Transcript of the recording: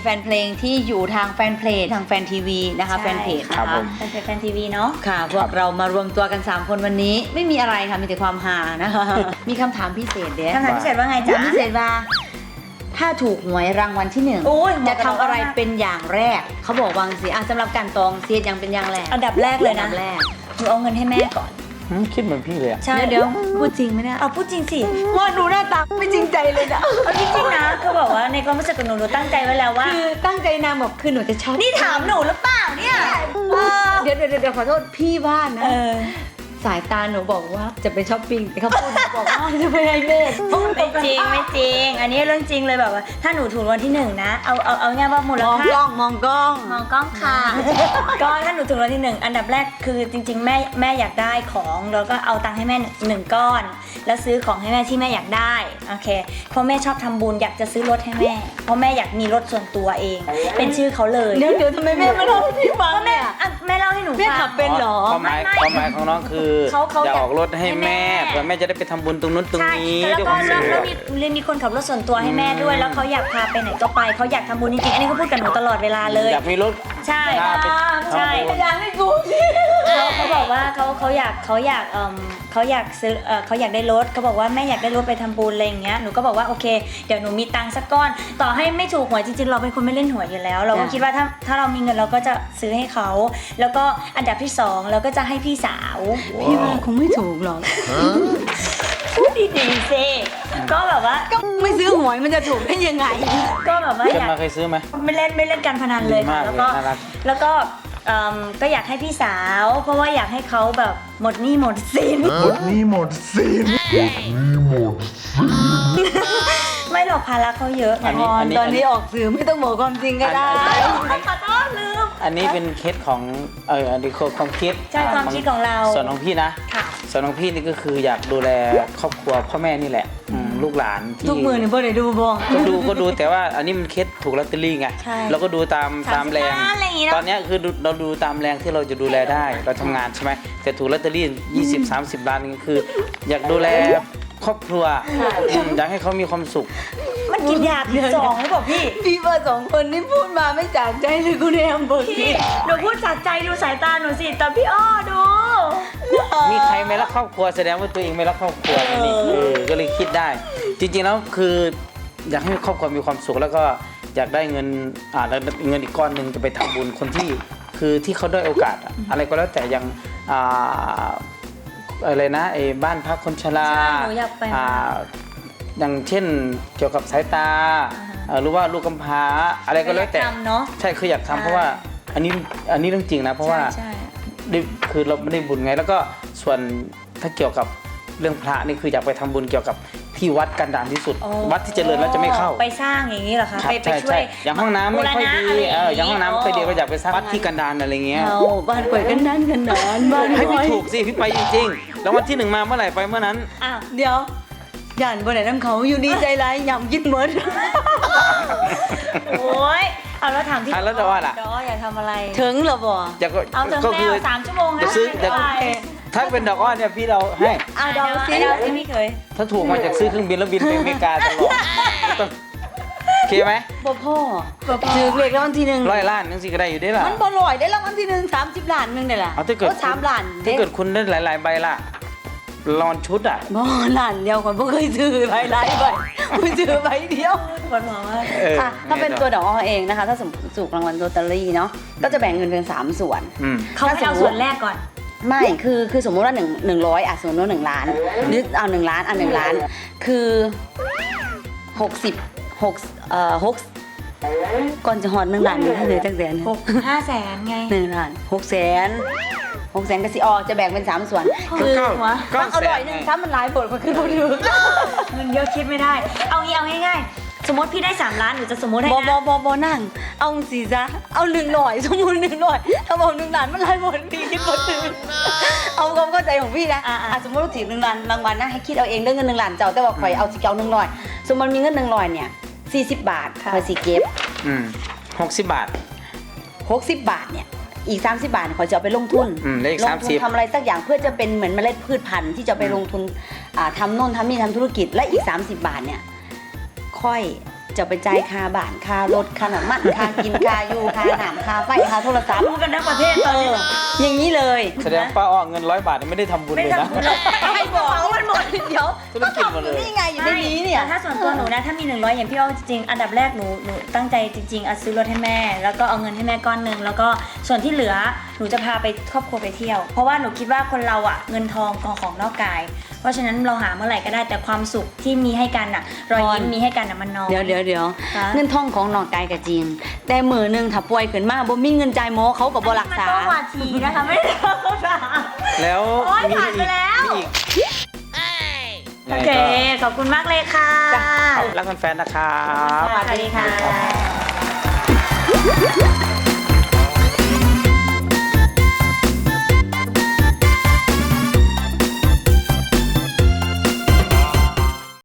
ฟนเพลงที่อยู่ทางแฟนเพลงทางแฟนทีวีนะคะแฟนเพจนะครัคะบผมแฟนทีวีเนาะค่ะพวกเรามารวมตัวกัน3คนวันนี้ไม่มีอะไรค่ะมีแต่ความฮานะคะ มีคำถามพิเศษเด้คำถามพิเศษว่าไงถาจ๊ะมพิเศษว่าถ้าถูกหวยรางวัลที่โอ้ย 1จะทำอะไรเป็นอย่างแรกเขาบอกวางสิสำหรับการตองเสียอย่างเป็นอย่างแรกอันดับแรกเลยนะอันดับแรกหนูเอาเงินให้แม่ก่อนคิดเหมือนพี่เลยอะใช่เดี๋ยวพูดจริงไหมเนี่ยเอาพูดจริงสิว่าหนูหน้าตาไม่จริงใจเลยนะเอาจริงๆนะคือบอกว่าในความรู้สึกของหนูตั้งใจไว้แล้วว่าคือตั้งใจนางแบบคือหนูจะชอบนี่ถามหนูหรือเปล่าเนี่ยเดี๋ยวขอโทษพี่บ้านนะ สายตาหนูบอกว่าจะไปช้อปปิ้งแต่เขาพูดหนูบอกว่าจะไปไอเมดไม่จริงไม่จริง อันนี้เรื่องจริงเลยแบบว่าถ้าหนูถูกรางวัลที่1นะเอาง่ายว่ามูลมองค่ากล้องมองกล้องมองกล้องค่ะ ก็ถ้าหนูถูกรางวัลที่1อันดับแรกคือจริง ๆ แม่อยากได้ของแล้วก็เอาตังค์ให้แม่1ก้อน แล้วซื้อของให้แม่ที่แม่อยากได้โอเคเพราะแม่ชอบทำบุญอยากจะซื้อรถให้แม่ เพราะแม่อยากมีรถส่วนตัวเอง เป็นชื่อเขาเลยเดี๋ยวทำไมแม่ไม่เล่าให้พี่ฟังก็แม่เนี่ยอ่ะแม่เล่าให้หนูแม่ฟังขับเป็นเหรอความหมายของน้องคือเขาอยากอยากออกรถให้แม่ให้แม่เพื่อแม่จะได้ไปทำบุญตรงนู้นตรงใช่นี้แล้วด้วยก็ความสุขแล้วมีคนขับรถส่วนตัวให้แม่ด้วย แล้วเขาอยากพาไปไหนก็ไปเขาอยากทำบุญจริงๆอันนี้เขาพูดกับหนูตลอดเวลาเลยอยากมีรถใช่พาไปใช่ทำบุญอยากให้กูสิเขาบอกว่าเขาอยากซื้อเขาอยากได้รถเขาบอกว่าแม่อยากได้รถไปทำบุญอะไรอย่างเงี้ยหนูก็บอกว่าโอเคเดี๋ยวหนูมีตังค์สักก้อน ต่อให้ไม่ถูกหวยจริงๆเราเป็นคนไม่เล่นหวยอยู่แล้ว เราก็คิดว่าถ้าเรามีเงินเราก็จะซื้อให้เขาแล้วก็อันดับที่2เราก็จะให้พี่สาวพี่ว่าคงไม่ถูกหรอกพูดดีๆสิก็แบบว่าก็ไม่ซื้อหวยมันจะถูกได้ยังไงก็แบบว่าเกิอดยากมาเคยซื้อไหมไม่เล่นการพนันเลยดีมาค่ะกแล้วก็เลยน่ารักแล้วก็ก็อยากให้พี่สาว เพราะว่าอยากให้เขาแบบหมดหนี้หมดสินหมดหนี้หมดสินไม่หรอกภาระเขาเยอะอันนี้ตอนนี้ออกสื่อไม่ต้องบอกความจริงก็ได้ขอโทษลืมอันนี้เป็นเคสของอันนี้ความคิดใช่ความคิดของเราส่วนของพี่นะค่ะส่วนของพี่นี่ก็คืออยากดูแลครอบครัวพ่อแม่นี่แหละลูกหลานที่ทุกมือเนี่ยพ่อได้ดูบ่ก็ดูแต่ว่าอันนี้มันเคสถูกลอตเตอรี่ไงใช่เราก็ดูตามแรง 35อะไรอย่างงี้เนอะตอนเนี้ยคือเราดูตามแรงที่เราจะดูแลได้เราทำงานใช่ไหมแต่ถูกลอตเตอรี่20-30 ล้านนี่คือ อยากดูแลครอบครัวอยากให้เขามีความสุขมันกินยาผิดสองหรือเปล่าพี่พี่ว่า2คนนี่พูดมาไม่จากใจเลยกูเนี่ยเบิกพี่หนูพูดจากใจดูสายตาหนูสิแต่พี่อ้อดูมีใครไม่รักครอบครัวแสดงว่าตัวเองไม่รักครอบครัวนี่ก็เลยคิดได้ จริงๆแล้วคืออยากให้ครอบครัวมีความสุขแล้วก็อยากได้เงินแล้วเงินอีกก้อนหนึ่งจะไปทำบุญคนที่คือที่เขาได้โอกาสอะไรก็แล้วแต่อย่างอะไรนะไอ้บ้านพักคนชราใช่หนูอยากไปอย่างเช่นเกี่ยวกับสายตาหรือว่าลูกกำพร้าอะไรก็แล้วแต่อยากทำเนอะใช่คืออยากทำใช่เพราะว่าอันนี้เรื่องจริงนะเพราะว่าใช่คือเราไม่ได้บุญไงแล้วก็ส่วนถ้าเกี่ยวกับเรื่องพระนี่คืออยากไปทำบุญเกี่ยวกับที่วัดกันดารที่สุดโอ้วัดที่เจริญแล้วจะไม่เข้าไปสร้างอย่างนี้เหรอคะครับไปใช่ช่วใช่ยอย่างห้องน้ำไม่ค่อยดีบูรณะอะไรอย่างห้องน้ำไม่ค่อยดีโก็อยากไปสร้างวัดที่กันดารอะไรเงี้ยเอาบ้านป่วยกันนั่นกันนานบ้านให้ป่พี่วยถูกสิพี่ไปจริงๆแล้ววันที่ 1มาเมื่อไหร่ไปเมื่อนั้นอ้าวเดี๋ยวย่านบ่ได้น้ำเขาอยู่ดีใจร้ายยำกินหมดโอ้ยเอาแล้วถามที่แล้วดอล่ะดออยากทำอะไรถึงเหรอบ่อยากเอาถึงก็แล้คือว3 ชั่วโมงนะจะซื้อเดี๋ยวไปถ้าเป็นดอกอ้อเนี่ยพี่เราให้อ่ะเดาสิเดาสิพี่เคยถ้าถูกมาจากซื้อเครื่องบินแล้วบินไปอเมริกาตลอดต้องโอเคไหมบ่พ่อถือเลขรางวัลที่หนึ่ง 100 ล้านนึงสิก็ได้อยู่ได้ล่ะมันบ่ลอยได้รางวัลที่1 30 ล้านนึงได้ล่ะเอาถ้าเกิด 3 ล้านถ้าเกิดคุณได้หลายๆใบล่ะรอนชุดอ่ะบ่ล้านเดียวก่อนบ่เคยซื้อหลายใบบ่ซื้อใบเดียวปวดหัวมากอ่ะถ้าเป็นตัวดอกอ้อเองนะคะ ถ้าสมมติถูกรางวัลลอตเตอรี่เนาะก็จะแบ่งเงินเป็น3 ส่วนอืมเขาให้เอาส่วนแรกก่อนไม่คือสมมุติว่า100สมมติว่า1 ล้านหรือเอา1 ล้าน1 ล้านคือก่อนจะหอด1 ล้านให้เลยตั้งแต่ 5 แสนไง 1 ล้าน600,000ก็สิออกจะแบ่งเป็น3 ส่วน คือก็มันอร่อยหนึงถ้ามันหลายบทมันคือบ่ถือเงินเยอะคิดไม่ได้ เอาง่ายๆ สมมติพี่ได้3 ล้านหนูจะสมมติให้บนะบนั่ง เอาสิจ๊ะเอา100สมมุติ100ถ้าบอก1 ล้านมันหลายบทพี่คิดบ่ถือเอาความเข้าใจของพี่นะสมมติว่าถือ1 ล้านรางวัลนะให้คิดเอาเองเรื่องเงิน1 ล้านเจ้าแต่ว่าข่อยเอาสิเจ้า100สมมติมีเงิน100เนี่ย40 บาทข่อยสิเก็บ 60 บาท 60 บาทเนี่ยอีก30 บาทข่อยจะเอาไปลงทุนแล้วอีกลงทุน 30 ทำอะไรสักอย่างเพื่อจะเป็นเหมือนเมล็ดพืชพันธุ์ที่จะไปลงทุนทำโน่นทำนี่ทำธุรกิจและอีก30 บาทเนี่ยค่อยจะไปจ่ายค่าบ้านค่ารถค่าน้ำมันค่ากินค่าอยู่ค่าน้ำค่าไฟค่าโทรศัพท์รู้กันทั้งประเทศตอนนี้อย่างนี้เลยแสดงป้าอ้อเงิน100 บาทไม่ได้ทำบุญไม่เลยนะทำบุญหรอกให้บอกมันหมดเดี๋ยวธุรกิจหมดเลยนี่ไงอยู่ในนี้เนี่ยแต่ถ้าส่วนตัวหนูนะถ้ามี100อย่างพี่อ้อจริงๆอันดับแรกหนูตั้งใจจริงๆซื้อรถให้แม่ แล้วก็เอาเงินให้แม่ก้อนหนึ่งแล้วก็ส่วนที่เหลือหนูจะพาไปครอบครัวไปเที่ยว เพราะว่าหนูคิดว่าคนเราอะเงินทองของนอกกาย เพราะฉะนั้นเราหาเมื่อไหร่ก็ได้แต่ความสุขที่มีให้กันอะรอยยิ้มมีให้กันอะมันน้อยเดี๋ยวคะเงินทองของนอกกายกับจริง แต่มือหนึงถ้าป่วยขึ้นมาบ่มีเงินจ่ายหมอเขาก็บ่รักษามันต้องวาทีนะคะไม่ได้ต้องรักษาแล้วโอ๊ยผ่านไปแล้วมีอีกโอเคขอบคุณมากเลยค่ะรักแฟนๆนะครับสวัสดีค่ะ